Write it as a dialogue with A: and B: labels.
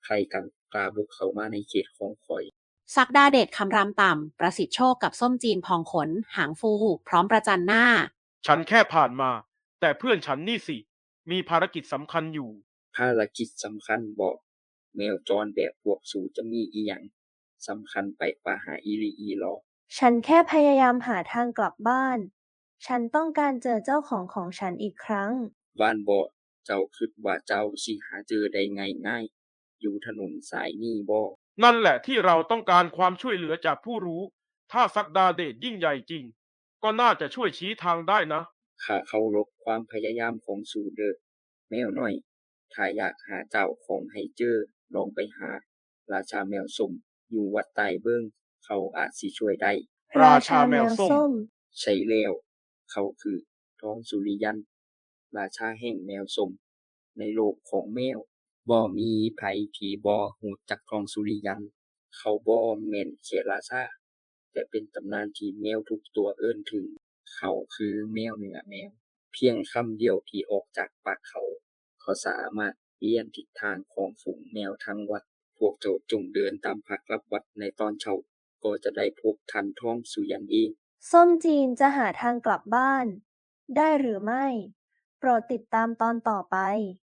A: ใครกันกล้าบุกเข้ามาในเขตของข้อย
B: ศักดาเดชคำรามต่ำประสิทธิ์โชคกับส้มจีนพองขนหางฟูพร้อมประจันหน้า
C: ฉันแค่ผ่านมาแต่เพื่อนฉันนี่สิมีภารกิจสำคัญอยู่
A: ภารกิจสำคัญบ่แมวจรแบบพวกสูจะมีอิหยังสำคัญไปกว่าหาอีหลีอีหลอ
D: ฉันแค่พยายามหาทางกลับบ้าน ฉันต้องการเจอเจ้าของของฉันอีกครั้ง
A: ว่านบ่เจ้าคิดว่าเจ้าสิหาเจอได้ง่ายๆอยู่ถนนสายนี้บ่
C: นั่นแหละที่เราต้องการความช่วยเหลือจากผู้รู้ถ้าศักดาเดชยิ่งใหญ่จริงก็น่าจะช่วยชี้ทางได้นะ
A: ข้าเคารพความพยายามของสูเด้อแมวน้อยถ้าอยากหาเจ้าของให้เจอลองไปหาราชาแมวส้มอยู่วัดใต้เบิ่งเขาอาจสิช่วยได้
D: ราชาแมวส้ม
A: ใช่แล้วเขาคือทองสุริยันราชาแห่งแมวส้มในโลกของแมวบ่มีไผที่บ่ฮู้จักทองสุริยันเขาบ่แม่นแค่ราชาแต่เป็นตำนานที่แมวทุกตัวเอิ้นถึงเขาคือแมวเหนือแมวเพียงคำเดียวที่ออกจากปากเขาเขาสามารถเปลี่ยนทิศทางของฝูงแมวทั้งวัดพวกเจ้าจงเดินตามพระกลับวัดในตอนเช้าก็จะได้พบท่านทองสุริยันเอง
D: ส้มจีนจะหาทางกลับบ้านได้หรือไม่โปรดติดตามตอนต่อไป